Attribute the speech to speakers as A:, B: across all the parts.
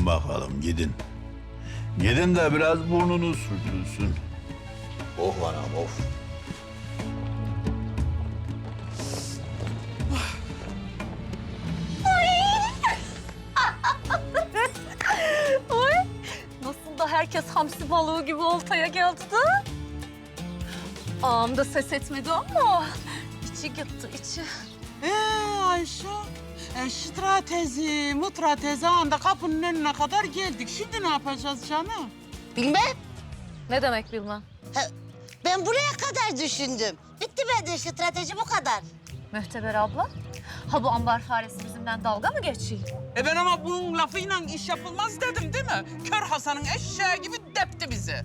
A: bakalım gidin. Gidin de biraz burnunuz sürtülsün.
B: Of anam of.
C: Oy. Nasıl da herkes hamsi balığı gibi oltaya geldi de. Ağam da ses etmedi ama içi gitti içi.
D: Ayşe, stratezi anda kapının önüne kadar geldik. Şimdi ne yapacağız canım?
E: Bilmem.
C: Ne demek bilmem.
E: Ben buraya kadar düşündüm. Bitti bende strateji bu kadar.
C: Mühteber abla, ha bu ambar faresi bizimle dalga mı geçiyor?
D: Ben ama bunun lafıyla iş yapılmaz dedim değil mi? Kör Hasan'ın eşeği gibi depti bizi.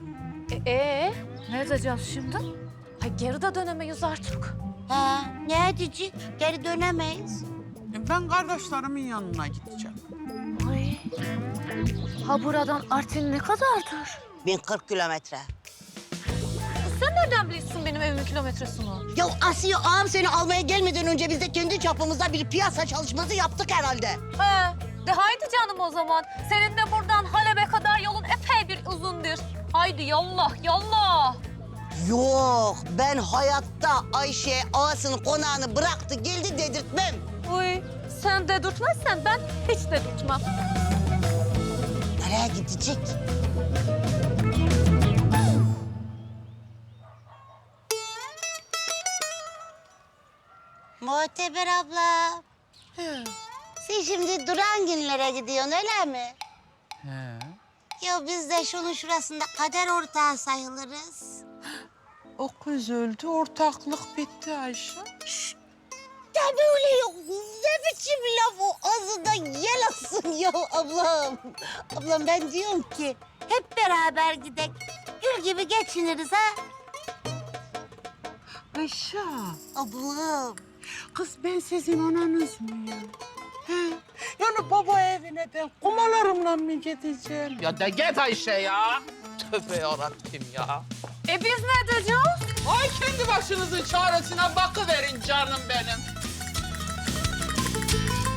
C: Ne edeceğiz şimdi? Ha geri de dönemeyiz artık.
E: Ha, ne edecek? Geri dönemeyiz.
D: Ben kardeşlerimin yanına gideceğim.
C: Ay. Ha buradan Artvin ne kadardır?
E: 1040 kilometre.
C: Sen nereden biliyorsun benim evimin kilometresini?
E: Ya Asiye ağam seni almaya gelmeden önce biz de kendi çapımızda bir piyasa çalışması yaptık herhalde.
C: He, de haydi canım o zaman. Senin de buradan Halep'e kadar yolun epey bir uzundur. Haydi yallah, yallah.
E: Yok, ben hayatta Ayşe ağasının konağını bıraktı geldi dedirtmem.
C: Uy, sen dedirtmezsen ben hiç dedirtmem.
E: Nereye gidecek? Muhteber abla. Sen şimdi Durangınlara gidiyorsun öyle mi?
D: He.
E: Ya biz de şunun şurasında kader ortağı sayılırız.
D: O kız öldü, ortaklık bitti Ayşe.
E: Ya böyle yok. Ne biçim laf o? Ağzından yel alsın ya ablam. Ablam ben diyorum ki hep beraber gidek. Gül gibi geçiniriz ha.
D: Ayşe,
E: Ablam.
D: kız ben sizin ananız mıyım? He. Yani baba evine ben kumalarımla mı gideceğim? Ya de git Ayşe ya. Tövbe yarabbim ya.
C: Biz ne edeceğiz?
D: Ay kendi başınızın çaresine bakıverin canım benim.